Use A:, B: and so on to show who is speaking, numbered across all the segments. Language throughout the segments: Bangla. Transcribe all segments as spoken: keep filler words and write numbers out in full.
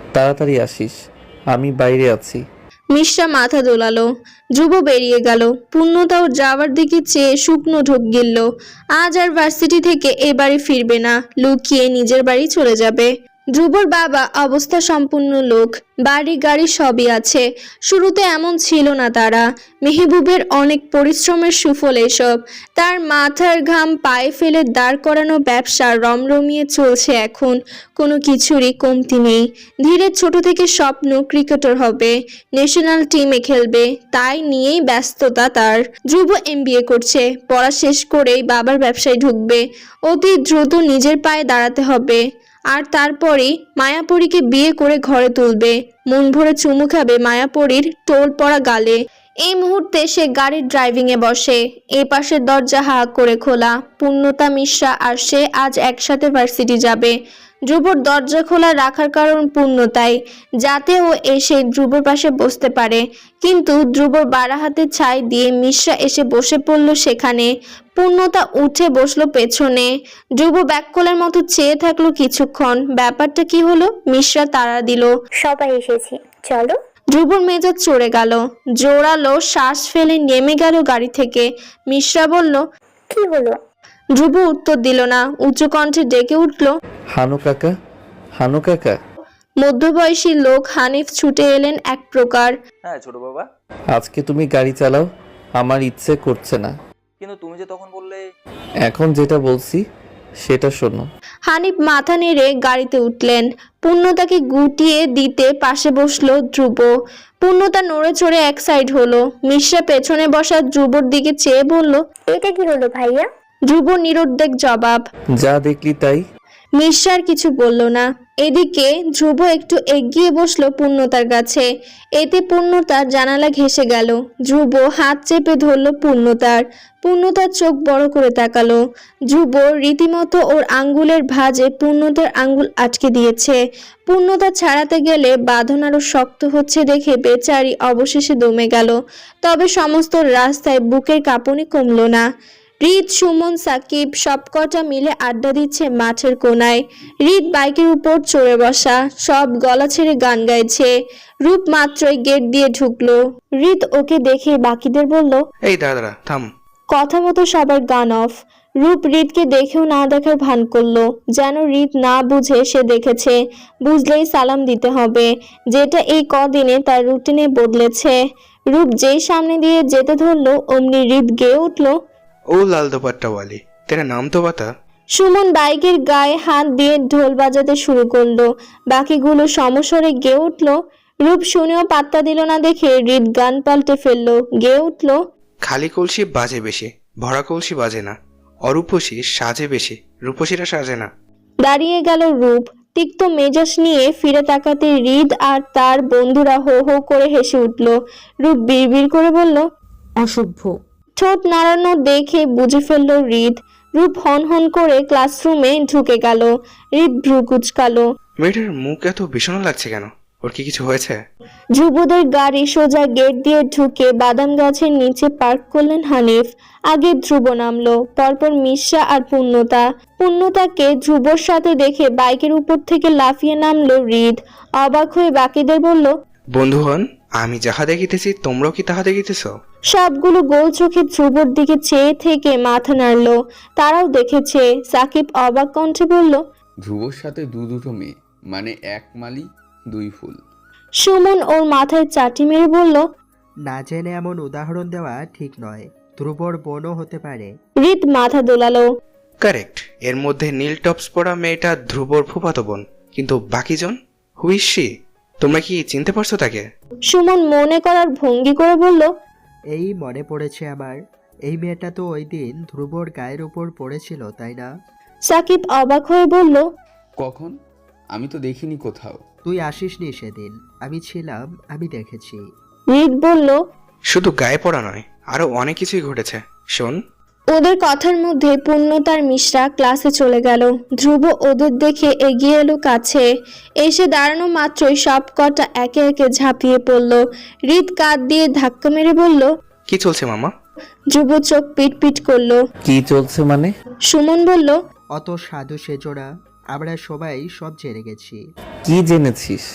A: তাড়াতাড়ি আসিস, আমি বাইরে আছি।
B: মিশ্রা মাথা দোলালো। ধ্রুব বেরিয়ে গেল। পূর্ণতাও যাওয়ার দিকে চেয়ে শুকনো ঢোক গিলল। আজ আর ভার্সিটি থেকে এ বাড়ি ফিরবে না, লুকিয়ে নিজের বাড়ি চলে যাবে। ধ্রুবর বাবা অবস্থা সম্পন্ন লোক, বাড়ি গাড়ি সবই আছে। শুরুতে এমন ছিল না তারা। মেহবুবের অনেক পরিশ্রমের সুফল এসব। তার মাথার ঘাম পায়ে ফেলে দাঁড় করানো ব্যবসা রমরমিয়ে চলছে এখন, কোনো কিছুরই কমতি নেই। ধীরে ছোট থেকে স্বপ্ন ক্রিকেটার হবে, ন্যাশনাল টিমে খেলবে, তাই নিয়েই ব্যস্ততা তার। ধ্রুব এমবিএ করছে, পড়া শেষ করেই বাবার ব্যবসায় ঢুকবে। অতি দ্রুত নিজের পায়ে দাঁড়াতে হবে, আর তারপরেই মায়াপরীকে বিয়ে করে ঘরে তুলবে। মন ভরে চুমু খাবে মায়াপরীর টোল পড়া গালে। এই মুহূর্তে সে গাড়ির ড্রাইভিংয়ে বসে। এ পাশের দরজা হা করে খোলা। পূর্ণতা, মিশ্রা আর সে আজ একসাথে ভার্সিটি যাবে। ধ্রুবর দরজা খোলা রাখার কারণ পূর্ণতাই, যাতে ও এসে ধ্রুবর পাশে বসতে পারে। কিন্তু ধ্রুবর বাড়া হাতে ছাই দিয়ে মিশ্রা এসে বসে পড়ল সেখানে। পূর্ণতা উঠে বসলো পেছনে। ধ্রুব ব্যাককলের মতো চেয়ে থাকলো কিছুক্ষণ। ব্যাপারটা কি হলো? মিশ্রা তাড়া দিল।
C: সবাই এসেছি, চলো।
B: ধ্রুবর মেজাজ চড়ে গেল। জোরালো শ্বাস ফেলে নেমে গেল গাড়ি থেকে। মিশ্রা বলল,
C: কি হলো?
B: ধ্রুব উত্তর দিল না। উচ্চ কণ্ঠে ডেকে উঠল,
A: হানু কাকা, হানু কাকা।
B: মধ্যবয়সী লোক হানিফ ছুটে এলেন এক প্রকার।
D: হ্যাঁ ছোট বাবা।
A: আজকে তুমি গাড়ি চালাও, আমার ইচ্ছে করছে না।
D: কিন্তু তুমি যে তখন বললে।
A: এখন যেটা বলছি সেটা শোনো।
B: হানিফ মাথা নেড়ে গাড়িতে উঠলেন। পূর্ণতাকে গুটিয়ে দিতে পাশে বসলো ধ্রুব। পূর্ণতা নড়ে চড়ে এক সাইড হলো। মিশ্রা পেছনে বসা ধ্রুবর দিকে চেয়ে বলল,
C: এটা কি হলো ভাইয়া?
B: ধ্রুব নিরুদ্বেগ জবাব।
A: যা দেখলি তাই।
B: মিশ্রা আর কিছু বলল না। এদিকে ধ্রুব একটু এগিয়ে বসলো পূর্ণতার কাছে। এতে পূর্ণতার জানালা ঘেঁষে গেল। ধ্রুব হাত চেপে ধরলো পূর্ণতার। পূর্ণতার চোখ বড় করে তাকালো। ধ্রুব রীতিমতো ওর আঙ্গুলের ভাঁজে পূর্ণতার আঙ্গুল আটকে দিয়েছে। পূর্ণতা ছাড়াতে গেলে বাঁধন আরো শক্ত হচ্ছে দেখে বেচারি অবশেষে দমে গেল। তবে সমস্ত রাস্তায় বুকের কাঁপুনি কমল না। রিত, সুমন, সাকিব সবকটা মিলে আড্ডা দিচ্ছে মাঠের কোনায়। রিত বাইকের উপর চড়ে বসা, সব গলা ছেড়ে গান গাইছে। রূপ মাত্রই গেট দিয়ে ঢুকলো। রিত ওকে দেখে বাকিদের বলল,
E: এই দাঁড়া দাঁড়া থাম।
B: কথা মতো সবার গান অফ। রূপ রিতকে দেখেও না দেখার ভান করলো, যেন রিত না বুঝে সে দেখেছে। বুঝলেই সালাম দিতে হবে, যেটা এই কদিনে তার রুটিনে বদলেছে। রূপ যেই সামনে দিয়ে যেতে ধরলো, অমনি রিত গেয়ে উঠলো,
E: ও লাল দোপাট্টা ওয়ালি, তেরা নাম তো বাতা।
B: সুমন বাইকের গায়ে হাত দিয়ে ঢোল বাজাতে শুরু করলো। বাকিগুলো সমস্বরে গেয়ে উঠলো। রূপ শুনেও পাত্তা দিল না দেখে রিত গান পাল্টে ফেললো, গেয়ে উঠলো,
E: খালি কলসি বাজে বেশি, ভরা কলসি বাজে না। অরূপসী সাজে বেশি, রূপসীরা সাজে না।
B: দাঁড়িয়ে গেল রূপ। তিক্ত মেজাজ নিয়ে ফিরে তাকাতে হৃদ আর তার বন্ধুরা হো হো করে হেসে উঠল। রূপ বিড়বিড় করে বলল,
F: অসভ্য।
B: ঠোঁট নাড়ানো দেখে বুঝে ফেলল হৃদ। রূপ হন হন করে ক্লাসরুমে ঢুকে গেল। হৃদ ভ্রু কুচকালো।
E: মেয়েটার মুখ এত ভীষণ লাগছে কেন? ওর কি কিছু হয়েছে?
B: ধ্রুবদের গাড়ি সোজা গেট দিয়ে ঢুকে বাদাম গাছের নিচে পার্ক করলেন হানিফ। আগে ধ্রুব নামলো, পরপর মিশ্রা আর পূর্ণতা। পূর্ণতাকে ধ্রুবর সাথে দেখে বাইকের উপর থেকে লাফিয়ে নামলো হৃদ। অবাক হয়ে বাকিদের বলল,
E: বন্ধু হন, আমি যাহা দেখিতেছি তোমরাও কি তাহা দেখিতেছ?
B: সবগুলো গোল চোখে ধ্রুবর দিকে চেয়ে থেকে মাথা নাড়লো। তারাও দেখেছে। সাকিব অবাক কণ্ঠে বলল,
G: ধ্রুবর সাথে দু দুটো মেয়ে, মানে এক মালি দুই ফুল।
B: সুমন ওর মাথায় চাটি মেরে বলল,
H: না জেনে এমন উদাহরণ দেওয়া ঠিক নয়, ধ্রুবর বোনও হতে পারে।
B: হৃদ মাথা দোলালো।
E: কারেক্ট, এর মধ্যে নীল টপস পরা মেয়েটা ধ্রুবর ফুফাতো বোন, কিন্তু বাকিজন হুইসি, তোমরা কি চিনতে পারছো তাকে?
B: সুমন মনে করার ভঙ্গি করে বলল,
H: এই মনে পড়েছে আমার, এই মেয়েটা তো ওই দিন ধ্রুবর গায়ের উপর পড়েছিল, তাই না?
B: সাকিব অবাক হয়ে বলল,
G: কখন? আমি তো দেখিনি কোথাও।
H: তুই আসিসনি সেদিন, আমি ছিলাম, আমি দেখেছি।
B: হৃদ বলল,
E: শুধু গায়ে পড়া নয়, আরো অনেক কিছুই ঘটেছে, শোন।
B: ওদের কথার মধ্যে পূর্ণতার মিশ্রা ক্লাসে চলে গেল। ধ্রুব ওদের দেখে এগিয়ে এলো কাছে। এসে দাঁড়ানো মাত্রই সব কটা একে একে ঝাঁপিয়ে পড়ল। হৃদ কাঁধ দিয়ে ধাক্কা মেরে বলল,
E: কি চলছে মামা?
B: ধ্রুব চোখ পিট পিট করলো।
A: কি চলছে মানে?
B: সুমন বলল,
H: অত সাধু সেজো না, আমরা সবাই সব জেনে গেছি।
A: কি জেনেছিস?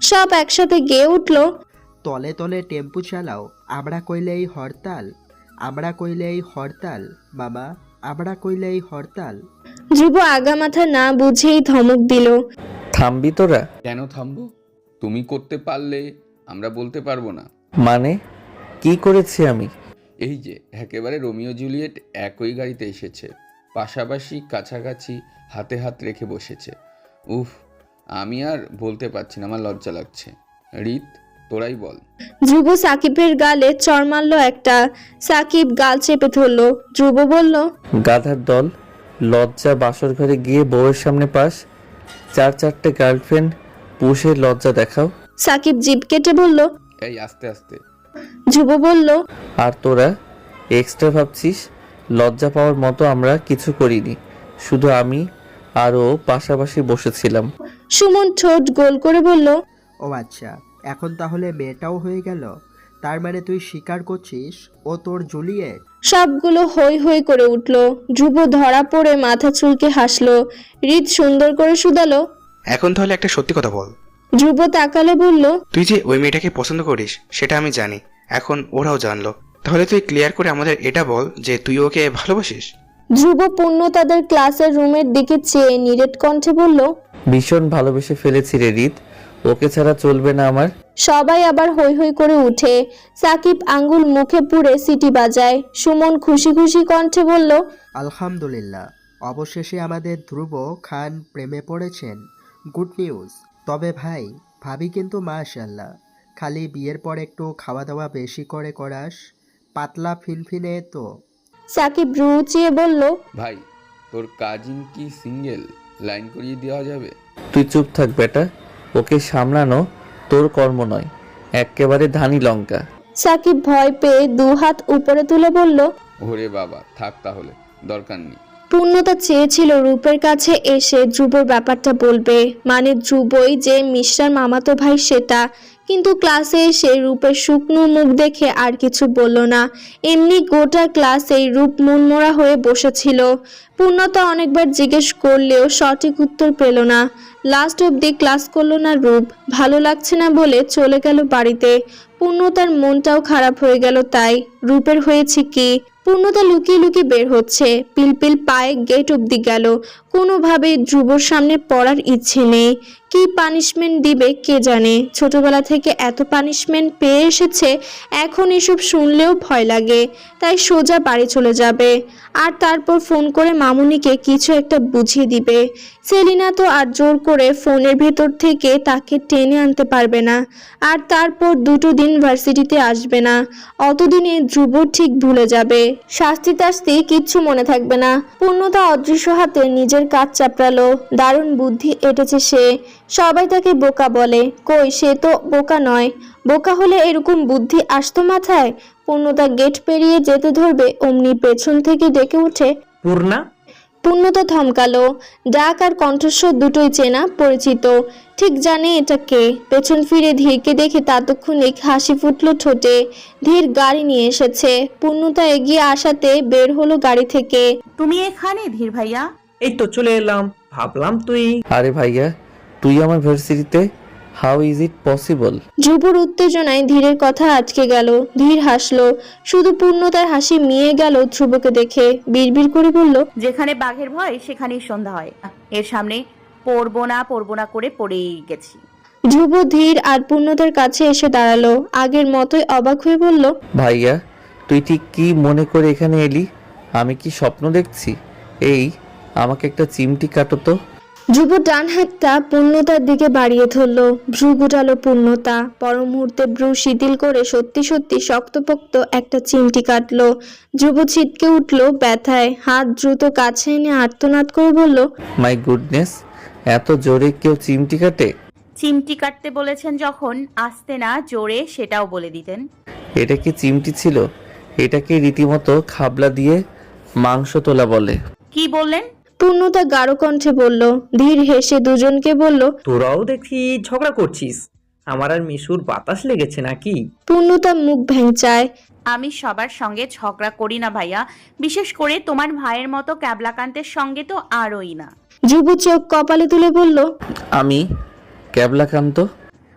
B: সব একসাথে গেয়ে উঠল।
H: তলে তলে টেম্পু চালাও, আমরা কইলেই হরতাল, আমরা কইলেই হরতাল, মামা আমরা কইলেই হরতাল।
B: ধ্রুব আগামাথা না বুঝেই ধমক দিল।
A: থামবি তোরা?
G: কেন থামবো? তুমি করতে পারলে আমরা বলতে পারবো না।
A: মানে কি করেছি আমি?
G: এই যে একেবারে রোমিও জুলিয়েট একই গাড়িতে এসেছে, পাশাপাশি কাছাকাছি হাতে হাত রেখে বসেছে। উফ, আমি আর বলতে পারছি না, আমার লজ্জা লাগছে। রিত, তোরাই বল।
B: ধ্রুব সাকিবের গালে চড় মারল একটা। সাকিব গাল চেপে ধরল। ধ্রুব বলল,
A: গাধার দল, লজ্জা বাসর ঘরে গিয়ে বউয়ের সামনে পাস, চার চারটে গার্লফ্রেন্ড পুষে লজ্জা দেখাও।
B: সাকিব জিভ কেটে বলল।
G: এই আস্তে আস্তে।
B: ধ্রুব বলল,
A: আর তোরা এক্সট্রা ভাবছিস? লজ্জা পাওয়ার মতো আমরা কিছু করিনি, শুধু আমি আর ও পাশাপাশি বসেছিলাম।
B: সুমন ঠোঁট গোল করে বলল,
H: ও আচ্ছা, এখন তাহলে মেয়েটাও হয়ে গেল। তার মানে তুই স্বীকার করছিস ও তোর জুলিয়েট?
B: সবগুলো হই হই করে উঠল। ধ্রুব ধরা পড়ে মাথা চুলকে হাসলো। হৃদ সুন্দর করে শুধালো,
E: এখন তাহলে একটা সত্যি কথা বল।
B: ধ্রুব তাকালে বলল,
E: তুই যে ওই মেয়েটাকে পছন্দ করিস সেটা আমি জানি, এখন ওরাও জানলো। তাহলে তুই ক্লিয়ার করে আমাদের এটা বল যে তুই ওকে ভালোবাসিস।
B: ধ্রুব পূর্ণ তাদের ক্লাসের রুমের দিকে চেয়ে নিরেট কণ্ঠে বলল,
A: ভীষণ ভালোবেসে ফেলেছি রে রিত, ওকে ছাড়া চলবে না আমার।
B: সবাই আবার হই হই করে উঠে। সাকিব আঙ্গুল মুখে পুরে সিটি বাজায়। সুমন খুশি খুশি কণ্ঠে বলল,
H: আলহামদুলিল্লাহ, অবশেষে আমাদের ধ্রুব খান প্রেমে পড়েছেন। Good news. তবে ভাই, ভাবি কিন্তু মাশাআল্লাহ, খালি বিয়ের পর একটু খাওয়া দাওয়া বেশি করে করাস, পাতলা ফিনফিনে তো।
B: সাকিব রুচিয়ে বলল,
G: ভাই, তোর কাজিন কি সিঙ্গেল? লাইন করিয়ে দেওয়া যাবে?
A: তুই চুপ থাক বেটা, ওকে সামলানো তোর কর্ম নয়, একেবারে ধানি লঙ্কা।
B: সাকিব ভয় পেয়ে দু হাত উপরে তুলে বলল,
G: ওরে বাবা, থাক তাহলে, দরকার নেই।
B: পূর্ণতা চেয়েছিল রূপের কাছে এসে ধ্রুবর ব্যাপারটা বলবে, মানে ধ্রুবই যে মিশ্রার মামাতো ভাই সেটা, কিন্তু ক্লাসে এসে রূপের শুকনো মুখ দেখে আর কিছু বলল না। এমনি গোটা ক্লাসেই রূপ মনমরা হয়ে বসেছিল। পূর্ণতা অনেকবার জিজ্ঞেস করলেও সঠিক উত্তর পেল না। লাস্ট অবধি ক্লাস করলো না রূপ, ভালো লাগছে না বলে চলে গেল বাড়িতে। পূর্ণতার মনটাও খারাপ হয়ে গেল। তাই রূপের হয়েছে কি? পূর্ণতা লুকিয়ে লুকিয়ে বের হচ্ছে, পিলপিল পায়ে গেট অবধি গেল। কোনোভাবেই ধ্রুবর সামনে পড়ার ইচ্ছে নেই। কি পানিশমেন্ট দিবে কে জানে। ছোটবেলা থেকে এত পানিশমেন্ট পেয়ে এসেছে, এখন এসব শুনলেও ভয় লাগে। তাই সোজা বাড়ি চলে যাবে, আর তারপর ফোন করে মামুনিকে কিছু একটা বুঝিয়ে দিবে। সেলিনা তো আর জোর করে ফোনের ভেতর থেকে তাকে টেনে আনতে পারবে না। আর তারপর দুটো দিন ভার্সিটিতে আসবে না। অতদিনে ধ্রুব ঠিক ভুলে যাবে, শাস্তি টাস্তি কিচ্ছু মনে থাকবে না। পূর্ণতা অদৃশ্য হাতে নিজের কাজ চাপড়ালো। দারুণ বুদ্ধি এঁটেছে সে। সবাই তাকে বোকা বলে, কই সে তো বোকা নয়। বোকা হলে এরকম বুদ্ধি আসতো মাথায়? পূর্ণতা গেট পেরিয়ে যেতে ধরবে, অমনি পেছন থেকে ডেকে উঠে,
F: পূর্ণা।
B: পূর্ণতা থমকালো। ডাক আর কণ্ঠস্বর দুটোই চেনা পরিচিত। ঠিক জানে এটা কে। পেছন ফিরে ধীরকে দেখে তাৎক্ষণিক হাসি ফুটলো ঠোঁটে। ধীর গাড়ি নিয়ে এসেছে। পূর্ণতা এগিয়ে আসাতে বের হলো গাড়ি থেকে।
I: তুমি এখানে ধীর ভাইয়া?
F: এই তো চলে এলাম, ভাবলাম তুই।
A: আরে ভাইয়া, তুই আমার ভার্সিটিতে? How is it possible?
B: ধ্রুবর উত্তেজনায় ধীরের কথা আটকে গেল। ধীর হাসলো। শুধু পূর্ণতার হাসি মিয়ে গেল ধ্রুবকে দেখে। বিড়বিড় করে বলল,
I: যেখানে বাঘের ভয় সেখানেই সন্ধ্যা হয়। এর সামনে পড়বো না পড়বো না করে পড়েই গেছি।
B: ধ্রুব ধীর আর পূর্ণতার কাছে এসে দাঁড়ালো। আগের মতোই অবাক হয়ে বলল,
A: ভাইয়া, তুই ঠিক কি মনে করে এখানে এলি? আমি কি স্বপ্ন দেখছি? এই আমাকে একটা চিমটি কাটো তো।
B: ধ্রুব ডান হাতটা পূর্ণতার দিকে বাড়িয়ে ধরল। ভ্রু গুটালো পূর্ণতা। পর মুহূর্তে ভ্রু শিথিল করে সত্যি সত্যি শক্তপোক্ত একটা চিমটি কাটলো। ধ্রুব ছিটকে উঠল ব্যথায়। হাত দ্রুত কাছে এনে আর্তনাদ করে বলল,
A: মাই গুডনেস, এত জোরে কেউ চিমটি কাটে?
I: চিমটি কাটতে বলেছেন যখন, আস্তে না জোরে সেটাও বলে দিতেন।
A: এটা কি চিমটি ছিল? এটাকে রীতিমতো খাবলা দিয়ে মাংস তোলা বলে।
I: কি বললেন?
B: পূর্ণতা গাঢ় কণ্ঠে বলল। ধীর হেসে দুজনকে বলল,
F: তোরাও দেখি ঝগড়া করছিস। আমার আর মিশুর বাতাস লেগেছে নাকি?
B: পূর্ণতা মুখ ভেঙচায়।
I: আমি সবার সঙ্গে ঝগড়া করি না ভাইয়া, বিশেষ করে তোমার ভাইয়ের মতো ক্যাবলাকান্তের সঙ্গে তো আরই না।
B: ধ্রুব চোখ কপালে তুলে বলল,
A: আমি ক্যাবলাকান্ত?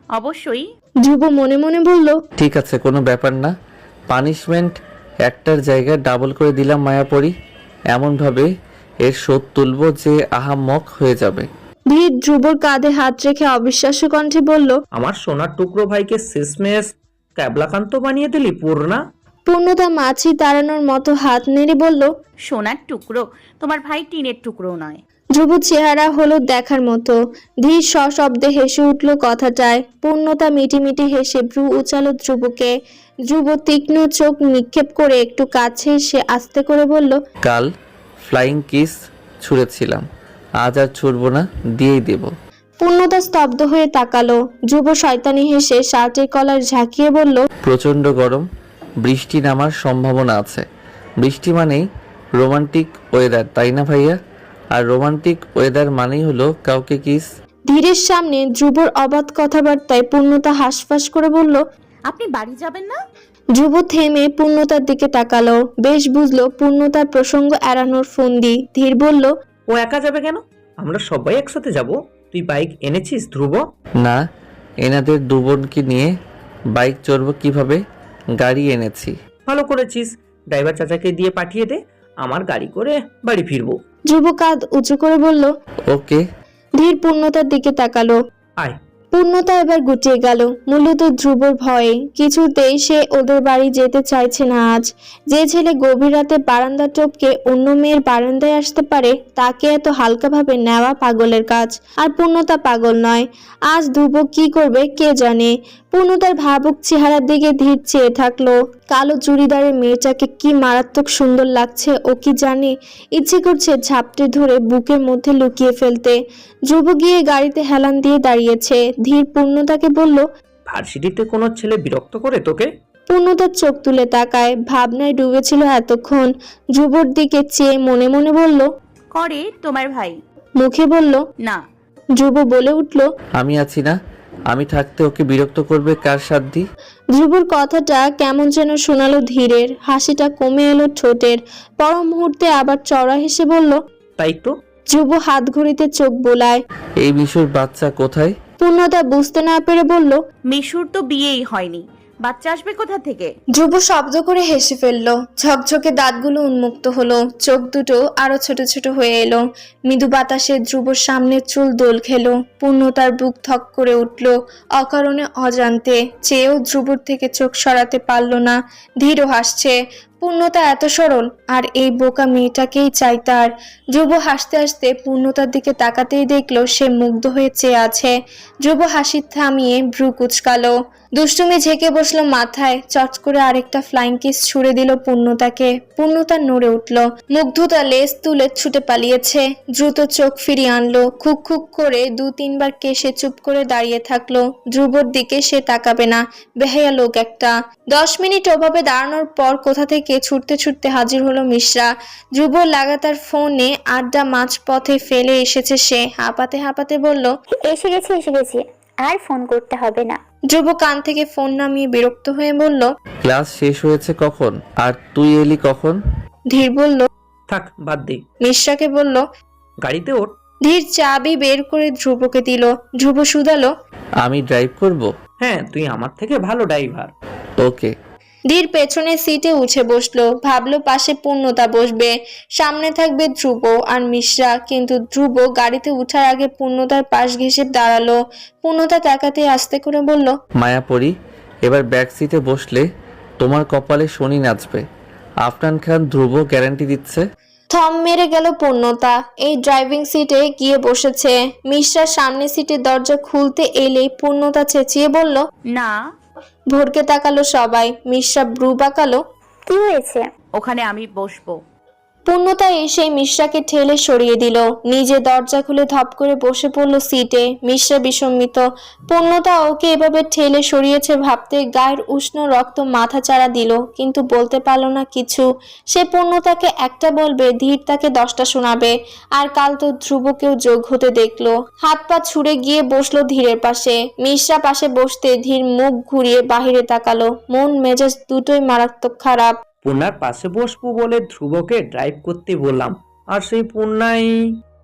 I: অবশ্যই।
B: ধ্রুব মনে মনে বলল,
A: ঠিক আছে, কোনো ব্যাপার না। পানিশমেন্ট একটার জায়গায় ডাবল করে দিলাম মায়াপরি। এমনভাবে এর শোধ তুলব যে আহাম্মক হয়ে যাবে।
B: ধীর ধ্রুবর কাঁধে হাত রেখে অবিশ্বাস্য কণ্ঠে বলল,
F: আমার সোনার টুকরো ভাইকে শেষমেশ ক্যাবলাকান্ত বানিয়ে দিলি পূর্ণা।
B: পূর্ণতা মাছি তাড়ানোর মতো হাত নেড়ে বলল,
I: সোনার টুকরো, তোমার ভাই টিনের টুকরো নয়।
B: ধ্রুব চেহারা হলো দেখার মতো। ধীর সশব্দে হেসে উঠল কথাটায়। পূর্ণতা মিটিমিটি হেসে ভ্রু উচালো ধ্রুবকে। ধ্রুব তীক্ষ্ণ চোখ নিক্ষেপ করে একটু কাছে এসে আস্তে করে বলল,
A: কাল ফ্লাইং কিস ছুঁড়েছিলাম, আজ আর ছুড়বো না, দিয়েই দেব।
B: পূর্ণতা স্তব্ধ হয়ে তাকালো। ধ্রুব শয়তানি হেসে শার্টের কলার ঝাঁকিয়ে বলল,
A: প্রচণ্ড গরম, বৃষ্টি নামার সম্ভাবনা আছে। বৃষ্টি মানেই রোমান্টিক ওয়েদার, তাই না ভাইয়া? আর রোমান্টিক ওয়েদার মানেই হলো কাউকে কিস।
B: ধীরের সামনে ধ্রুবর অবাধ কথাবার্তায় পূর্ণতা হাঁসফাঁস করে বলল,
I: আপনি বাড়ি যাবেন না?
B: ধ্রুব থেমে পূর্ণতার দিকে তাকালো। বেশ বুঝলো পূর্ণতার প্রসঙ্গ এড়ানোর ফন্দি। ধীর বলল,
F: ও একা যাবে কেন? আমরা সবাই একসাথে যাব। তুই বাইক এনেছিস ধ্রুব?
A: না, এনাদের দু বোনকে নিয়ে বাইক চড়বো কিভাবে? গাড়ি এনেছি।
F: ভালো করেছিস, ড্রাইভার চাচাকে দিয়ে পাঠিয়ে দে, আমার গাড়ি করে বাড়ি ফিরবো।
B: ধ্রুব কাঁধ উঁচু করে বলল।
A: ওকে।
B: ধীর পূর্ণতার দিকে তাকালো।
F: আয়।
B: পূর্ণতা এবার গুটিয়ে গেল, মূলত ধ্রুবর ভয়ে। কিছুতেই সে ওদের বাড়ি যেতে চাইছে না আজ। যে ছেলে গভীর রাতে বারান্দা টপকে অন্য মেয়ের বারান্দায় আসতে পারে, তাকে এত হালকাভাবে নেওয়া পাগলের কাজ। আর পূর্ণতা পাগল নয়। আজ ধ্রুব কি করবে কে জানে। পূর্ণতার ভাবুক চেহারার দিকে ধীর চেয়ে থাকলো। কালো চুড়িদারের মেয়েটাকে কি মারাত্মক সুন্দর লাগছে ও কি জানে। ইচ্ছে করছে ঝাপটে ধরে বুকের মধ্যে লুকিয়ে ফেলতে। ধ্রুব গিয়ে গাড়িতে হেলান দিয়ে দাঁড়িয়েছে। ধীর পূর্ণতাকে বলল,
F: ভার্সিটিতে কোনো ছেলে বিরক্ত করে তোকে?
B: পূর্ণতার চোখ তুলে তাকায়, ভাবনায় ডুবেছিল এতক্ষণ। ধ্রুবর দিকে চেয়ে মনে মনে বলল,
I: করে তোমার ভাই।
B: মুখে বলল
I: না।
B: ধ্রুব বলে উঠল,
A: আমি আছি না, আমি থাকতে ওকে বিরক্ত করবে কার সাধ্যি?
B: ধ্রুবর কথাটা কেমন যেন শোনালো ধীরের। হাসিটা কমে এলো ঠোঁটের। পর মুহূর্তে আবার চড়া হেসে বলল,
F: তাই তো।
B: ধ্রুব হাত ঘড়িতে চোখ বোলায়।
A: এই মিশুর বাচ্চা কোথায়?
B: পূর্ণতা বুঝতে না পেরে বলল,
I: মিশুর তো বিয়েই হয়নি, বাচ্চা আসবে কোথা থেকে?
B: ধ্রুব শব্দ করে হেসে ফেলল। ঝকঝকে দাঁতগুলো উন্মুক্ত হলো, চোখ দুটো আরো ছোট ছোট হয়ে এলো। মৃদু বাতাসে ধ্রুবর সামনের চুল দোল খেলো। পূর্ণতার বুক থক করে উঠল অকারণে অজান্তে। চেয়েও ধ্রুবর থেকে চোখ সরাতে পারল না। ধীরও হাসছে। পূর্ণতা এত সরল, আর এই বোকা মেয়েটাকেই চাই তার। ধ্রুব হাসতে হাসতে পূর্ণতার দিকে তাকাতেই দেখলো সে মুগ্ধ হয়ে চেয়ে আছে। ধ্রুব হাসি থামিয়ে ভ্রু কুচকালো। দুষ্টুমি ঝেঁকে বসলো মাথায়। চট করে আরেকটা ফ্লাইং কিস ছুড়ে দিল পূর্ণতাকে। পূর্ণতা নড়ে উঠল। মুগ্ধতা লেজ তুলে ছুটে পালিয়েছে। দ্রুত চোখ ফিরিয়ে আনলো। খুক খুক করে দু তিনবার কেশে চুপ করে দাঁড়িয়ে থাকলো। ধ্রুবর দিকে সে তাকাবে না, বেহায়া লোক একটা। দশ মিনিট ওভাবে দাঁড়ানোর পর কোথা থেকে ছুটতে ছুটতে হাজির হলো মিশ্রা। ধ্রুব লাগাতার ফোনে আড্ডা মাঝ পথে ফেলে এসেছে সে। হাঁপাতে হাঁপাতে বলল,
C: এসে গেছি এসে গেছি, আর ফোন করতে হবে না।
B: ধ্রুব কান থেকে ফোন নামিয়ে বিরক্ত হয়ে বলল,
A: ক্লাস শেষ হয়েছে কখন? আর তুই এলি কখন?
B: ধীর বলল।
F: থাক বাদ দে,
B: মিশ্রাকে বলল,
F: গাড়িতে ওঠ।
B: ধীর চাবি বের করে ধ্রুবকে দিল। ধ্রুব শুধালো,
A: আমি ড্রাইভ করব?
F: হ্যাঁ, তুই আমার থেকে ভালো ড্রাইভার।
A: ওকে।
B: ধীর পেছনের সিটে উঠে বসলো। ভাবলো পাশে পূর্ণতা বসবে, সামনে থাকবে ধ্রুব আর মিশ্রা। কিন্তু ধ্রুব গাড়িতে উঠার আগে পূর্ণতার পাশ ঘেঁষে দাঁড়ালো। পূর্ণতা তাকাতে আস্তে করে বলল,
A: মায়াপরি, এবার ব্যাক সিটে বসলে তোমার কপালে শনি নাচবে। আফরান খান ধ্রুব গ্যারান্টি দিচ্ছে।
B: থম মেরে গেল পূর্ণতা। এই ড্রাইভিং সিটে গিয়ে বসেছে। মিশ্রা সামনের সিটের দরজা খুলতে এলেই পূর্ণতা চেঁচিয়ে বলল,
I: না।
B: ভোরকে তাকালো সবাই। মিশ্রা ব্রু বাঁকালো।
C: কি হয়েছে?
I: ওখানে আমি বসবো।
B: পূর্ণতা এসে মিশ্রাকে ঠেলে সরিয়ে দিল। নিজে দরজা খুলে ধপ করে বসে পড়ল সিটে। মিশ্রা বিস্মিত। পূর্ণতা ওকে এভাবে ঠেলে সরিয়েছে ভাবতে গায়ের উষ্ণ রক্ত মাথা চাড়া দিল, কিন্তু বলতে পারল না কিছু। সে পূর্ণতাকে একটা বলবে, ধীর তাকে দশটা শোনাবে। আর কাল তো ধ্রুবকেও যোগ হতে দেখলো। হাত পা ছুড়ে গিয়ে বসলো ধীরের পাশে। মিশ্রা পাশে বসতে ধীর মুখ ঘুরিয়ে বাহিরে তাকালো। মন মেজাজ দুটোই মারাত্মক খারাপ।
F: পূর্ণার পাশে বসবো বলে ধ্রুবকে ড্রাইভ করতে বললাম, আর সেই পূর্ণাই